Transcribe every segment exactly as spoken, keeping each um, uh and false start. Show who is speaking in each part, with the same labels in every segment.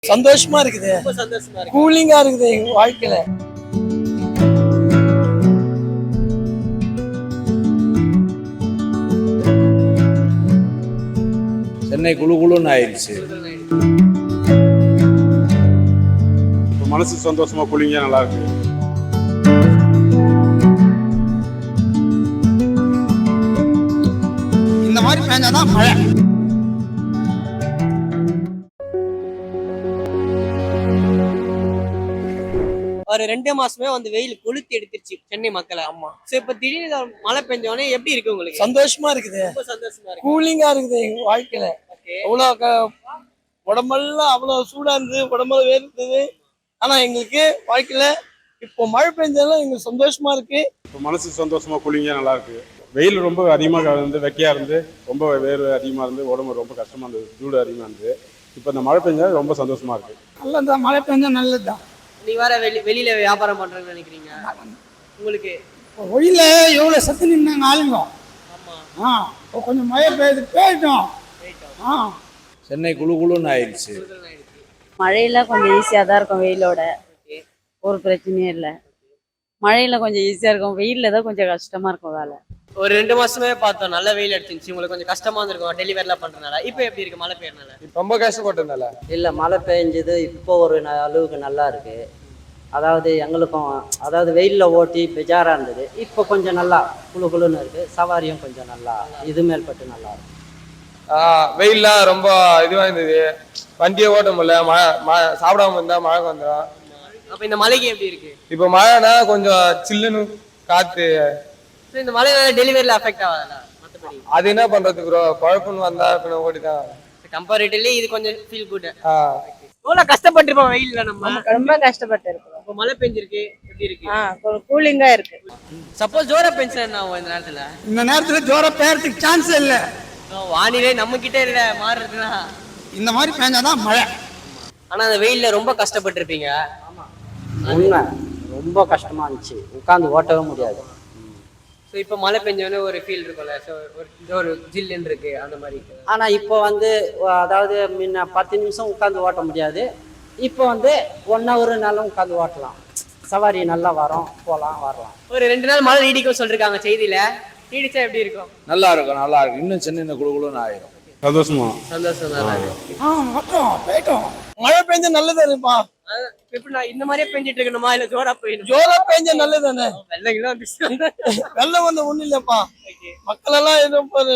Speaker 1: சந்தோஷமா இருக்குது,
Speaker 2: ரொம்ப சந்தோஷமா இருக்கு.
Speaker 1: கூலிங்கா இருக்குது எங்க வாழ்க்கையில.
Speaker 3: சென்னை குழு குழுன்னு ஆயிடுச்சு.
Speaker 4: இப்போ மனசு சந்தோஷமா கூலிங்கா நல்லா இருக்கு.
Speaker 1: இந்த மாதிரி பேஞ்சாதான் மழை.
Speaker 2: ஒரு ரெண்டு மாசமே வந்து வெயில் கொளுத்தி எடுத்துருச்சு சென்னை மக்களை. ஆமா. சோ இப்ப திடீர்னு மழை பெஞ்சோடனே எப்படி இருக்கு உங்களுக்கு?
Speaker 1: சந்தோஷமா இருக்குது,
Speaker 2: ரொம்ப சந்தோஷமா இருக்கு,
Speaker 1: கூலிங்கா இருக்குது எங்க வாழ்க்கையில. அவ்வளவு உடம்பெல்லாம் அவ்வளவு சூடா இருந்தது, உடம்பெல்லாம் வேர்த்தது. ஆனா எங்களுக்கு வாழ்க்கையில இப்போ மழை பெஞ்சாலும் எங்களுக்கு சந்தோஷமா இருக்கு.
Speaker 4: இப்போ மனசு சந்தோஷமா கூலிங்கா நல்லா இருக்கு. வெயில் ரொம்ப அதிகமாக இருந்து வெக்கையா இருந்து ரொம்ப வேர்வை அதிகமாக இருந்து உடம்பு ரொம்ப கஷ்டமா இருந்தது, சூடு அதிகமாக இருந்தது. இப்போ இந்த மழை பெஞ்சா ரொம்ப சந்தோஷமா இருக்கு.
Speaker 1: நல்லதுதான், மழை பெஞ்சா நல்லதுதான்.
Speaker 2: நீ வர வெளி வெளியில வியாபாரம் பண்றேன்னு நினைக்கிறீங்க உங்களுக்கு?
Speaker 1: வெயில எவ்வளவு சத்து நின்னாங்க ஆளுங்க. ஆ கொஞ்சம் மழை பெய்யுது, போயிட்டோம். ஆ
Speaker 3: சென்னை குழு குழுன்னு ஆயிடுச்சு.
Speaker 5: மழையில கொஞ்சம் ஈஸியாக தான் இருக்கும், வெயிலோட ஒரு பிரச்சனையும் இல்லை. மழையில கொஞ்சம் ஈஸியாக இருக்கும், வெயிலில் தான் கொஞ்சம் கஷ்டமா இருக்கும் வேலை.
Speaker 2: ஒரு ரெண்டு மாசமே பார்த்தோம், நல்ல வெயில் அடிச்சிருந்துச்சு, உங்களுக்கு கொஞ்சம் கஷ்டமா இருந்திருக்கும் டெலிவரிலாம் பண்றதுனால. இப்போ எப்படி இருக்கு மழை பெய்யறதுனால?
Speaker 6: ரொம்ப கஷ்டப்பட்டதுனால
Speaker 7: இல்லை, மழை பெஞ்சது இப்போ ஒரு ந- அளவுக்கு நல்லா இருக்கு. அதாவது எங்களுக்கும் அதாவது வெயிலில் ஓட்டி பெஜாராக இருந்தது, இப்போ கொஞ்சம் நல்லா குளு குளுன்னு இருக்கு. சவாரியும் கொஞ்சம் நல்லா இது மேல்பட்டு நல்லா இருக்கு.
Speaker 6: வெயில்லாம் ரொம்ப இதுவாக இருந்தது, வண்டியை ஓட்ட முடியல. மழை மழை சாப்பிடாம இருந்தா மழை வந்துடும்.
Speaker 2: அப்ப இந்த மழைக்கு எப்படி இருக்கு?
Speaker 6: இப்போ மழைனா கொஞ்சம் சில்லுன்னு காத்து.
Speaker 2: So, இந்த மழைனால டெலிவரியில அஃபெக்ட் ஆகாதா? மத்தபடி
Speaker 6: அது என்ன பண்றது ப்ரோ, குழப்பம்னு வந்தா பின்ன ஓடிதான்.
Speaker 2: கம்பேரிட்டிவ்லி இது கொஞ்சம் ஃபீல் குட்.
Speaker 6: ஆ
Speaker 2: எவ்வளவு கஷ்டப்பட்டிருப்போம் வெயில்ல நம்ம.
Speaker 5: ரொம்ப கஷ்டப்பட்டு இருக்கோம்.
Speaker 2: இப்போ மழை பெஞ்சிருக்கு, எப்படி இருக்கு?
Speaker 5: ஆ கூலிங்கா இருக்கு.
Speaker 2: சப்போஸ் ஜோரா பெஞ்சா என்ன ஆகும் இந்த நேரத்துல?
Speaker 1: இந்த நேரத்துல ஜோர பெய்யறதுக்கு சான்ஸ் இல்ல.
Speaker 2: வானிலை நம்ம கிட்ட இல்ல மாறுறதுனா
Speaker 1: இந்த மாதிரி பேஞ்சாதான் மழை.
Speaker 7: ஆனால் அந்த வெயிலில் ரொம்ப கஷ்டப்பட்டிருப்பீங்க. உண்மை, ரொம்ப கஷ்டமா இருந்துச்சு, உட்காந்து ஓட்டவே முடியாது.
Speaker 2: ஸோ இப்போ மழை பெஞ்சோடனே ஒரு ஃபீல் இருக்கும்ல, ஸோ ஒரு ஒரு ஜில்லுன்னு இருக்கு அந்த மாதிரி.
Speaker 7: ஆனால் இப்போ வந்து அதாவது முன்ன பத்து நிமிஷம் உட்காந்து ஓட்ட முடியாது, இப்போ வந்து ஒன் ஹவருனாலும் உட்காந்து ஓட்டலாம். சவாரி நல்லா வரும், போகலாம் வரலாம்.
Speaker 2: ஒரு ரெண்டு நாள் மழை நீடிக்கும் சொல்லிருக்காங்க செய்தியில, நீடிச்சா எப்படி இருக்கும்?
Speaker 3: நல்லா இருக்கும், நல்லா இருக்கும். இன்னும் சென்னை குழு குழுன்னு ஆயிரும்.
Speaker 4: சந்தோஷமா
Speaker 2: சந்தோஷம் நல்லா இருக்கு.
Speaker 1: ஆ மட்டும் போயிட்டோம். மழை பெஞ்சா நல்லதா இருப்பா.
Speaker 2: எப்படி நான் இந்த மாதிரியே பெஞ்சிட்டு இருக்கணுமா இல்ல ஜோரா பெய்யணும்?
Speaker 1: ஜோரா பெஞ்சா நல்லதானே.
Speaker 2: வெள்ளங்கெல்லாம் வந்துச்சு.
Speaker 1: வெள்ளம் வந்து ஒண்ணும் இல்லப்பா. மக்கள் எல்லாம் ஏதோ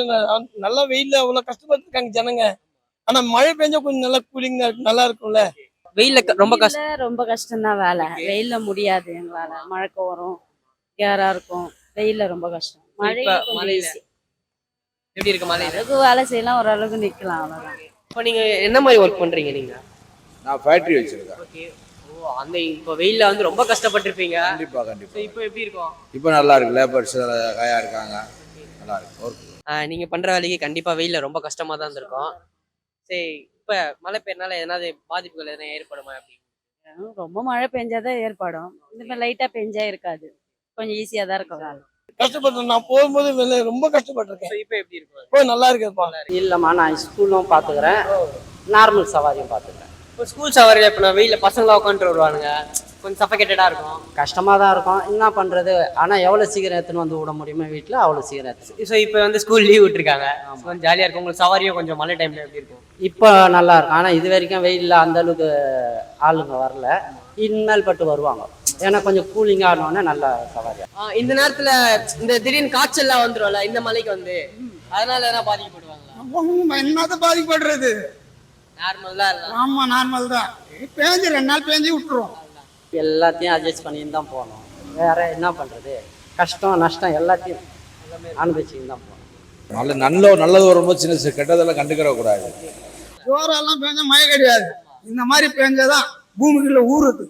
Speaker 1: நல்லா வெயில்ல அவ்வளவு கஷ்டப்பட்டு இருக்காங்க ஜனங்க. ஆனா மழை பெஞ்சா கொஞ்சம் நல்லா கூலிங்கா நல்லா இருக்கும்ல.
Speaker 2: வெயில்ல ரொம்ப கஷ்டம்,
Speaker 5: ரொம்ப கஷ்டம் தான் வேலை. வெயில்ல முடியாது எங்களால, மழைக்கு வரும், கேரா இருக்கும். வெயில்ல ரொம்ப கஷ்டம். மழையில கொஞ்சம்
Speaker 2: மழையில
Speaker 5: easy.
Speaker 2: எப்படி இருக்கு மழையில?
Speaker 5: அளவுக்கு வேலை செய்யலாம், ஓரளவுக்கு நிக்கலாம், அவ்வளவுதான்.
Speaker 2: இப்போ நீங்க என்ன மாதிரி ஒர்க் பண்றீங்க நீங்க?
Speaker 3: நான் ஃபேக்டரி வச்சிருக்கேன்.
Speaker 2: ஓகே. ஓ, அந்த இப்போ வெயில்ல வந்து ரொம்ப கஷ்டப்பட்டிருப்பீங்க.
Speaker 3: கண்டிப்பா கண்டிப்பா.
Speaker 2: ஸோ இப்போ எப்படி இருக்கும்?
Speaker 3: இப்போ நல்லா இருக்கு, லேபர்ஸ் கையா இருக்காங்க, நல்லா இருக்கு ஒர்க்.
Speaker 2: நீங்க பண்ற வேலைக்கு கண்டிப்பா வெயில்ல ரொம்ப கஷ்டமா தான் இருந்திருக்கும். சரி, இப்ப மழை பெய்யறனால எதனாவது பாதிப்புகள் எதனா ஏற்படுமா? அப்படி
Speaker 5: ரொம்ப மழை பெஞ்சாதான் ஏற்படும், இந்த மாதிரி லைட்டா பெஞ்சா இருக்காது. கொஞ்சம் ஈஸியா தான் இருக்கும் வேலை.
Speaker 1: கஷ்டப்பட்டேன், நான் போகும்போது வெளில ரொம்ப கஷ்டப்பட்டிருக்கேன்.
Speaker 2: இப்போ எப்படி இருக்கும்?
Speaker 1: இப்போ நல்லா இருக்குப்பா.
Speaker 7: இல்லைம்மா, நான் ஸ்கூலும் பார்த்துக்கிறேன், நார்மல் சவாரியும் பார்த்துக்கிறேன்.
Speaker 2: இப்போ ஸ்கூல் சவாரியில் இப்போ நான் வெயிலில் பசங்களாம் உட்காந்துட்டு வருவானுங்க, கொஞ்சம் சஃபகேட்டடாக இருக்கும்,
Speaker 7: கஷ்டமாக தான் இருக்கும். என்ன பண்ணுறது, ஆனால் எவ்வளோ சீக்கிரம் எடுத்துன்னு வந்து விட முடியுமோ வீட்டில் அவ்வளோ சீக்கிரம் எடுத்து.
Speaker 2: ஸோ இப்போ வந்து ஸ்கூல் லீவ் விட்டுருக்காங்க, கொஞ்சம் ஜாலியாக இருக்கும். உங்களுக்கு சவாரியும் கொஞ்சம் மழை டைமில் எப்படி இருக்கும்?
Speaker 7: இப்போ நல்லா இருக்கும், ஆனால் இது வரைக்கும் வெயிலில் அந்த அளவுக்கு ஆளுங்க வரல, இனிமேல் பட்டு வருவாங்க. ஏன்னா கொஞ்சம் கூலிங்காக ஆனோடனே நல்லா சவாரியா.
Speaker 2: இந்த நேரத்தில் இந்த திடீர்னு காய்ச்சல்லாம் வந்துடும்ல இந்த மலைக்கு வந்து, அதனால எதனா பாதிக்கப்படுவாங்களா?
Speaker 1: என்னதான் பாதிக்கப்படுறது?
Speaker 2: நார்மல் தான் இருக்கும்.
Speaker 1: ஆமா நார்மல் தான். பேஞ்சு ரெண்டு நாள் பேஞ்சு விட்டுருவோம்.
Speaker 7: எல்லாத்தையும் அட்ஜஸ்ட் பண்ணின்னு தான் போகணும், வேற என்ன பண்ணுறது. கஷ்டம் நஷ்டம் எல்லாத்தையும் அனுபவிச்சுன்னு தான் போகணும்.
Speaker 3: நல்ல நல்ல நல்லது வரும்போது சின்ன சின்ன கெட்டதெல்லாம் கண்டுக்கிற கூடாது.
Speaker 1: ஜோரெல்லாம் பேஞ்சா மழை கிடையாது, இந்த மாதிரி பேஞ்சாதான் பூமிக்குள்ள ஊறுது.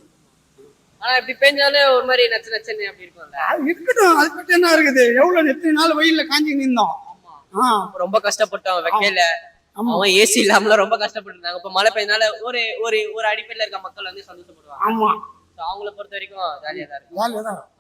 Speaker 2: ஆனா இப்படி பேஞ்சாலே ஒரு மாதிரி நச்சு நச்சுன்னு அப்படி இருக்கும்ல.
Speaker 1: அது இருக்கட்டும், அது பத்தி என்ன இருக்குது? எவ்வளவு எத்தனை நாள் வெயில்ல காஞ்சி நின்றோம்.
Speaker 2: ரொம்ப கஷ்டப்பட்டோம் வெக்கையில. அவன் ஏசி இல்லாமல ரொம்ப கஷ்டப்பட்டு இருந்தாங்க. இப்ப மழை பெய்யனால ஒரு ஒரு ஒரு அடிப்படையில இருக்க மக்கள் வந்து சந்தோஷப்படுவாங்க.
Speaker 1: ஆமா,
Speaker 2: அவங்கள பொறுத்த வரைக்கும் ஜாலியா தான் இருக்கும்.
Speaker 1: ஜாலியா தான்.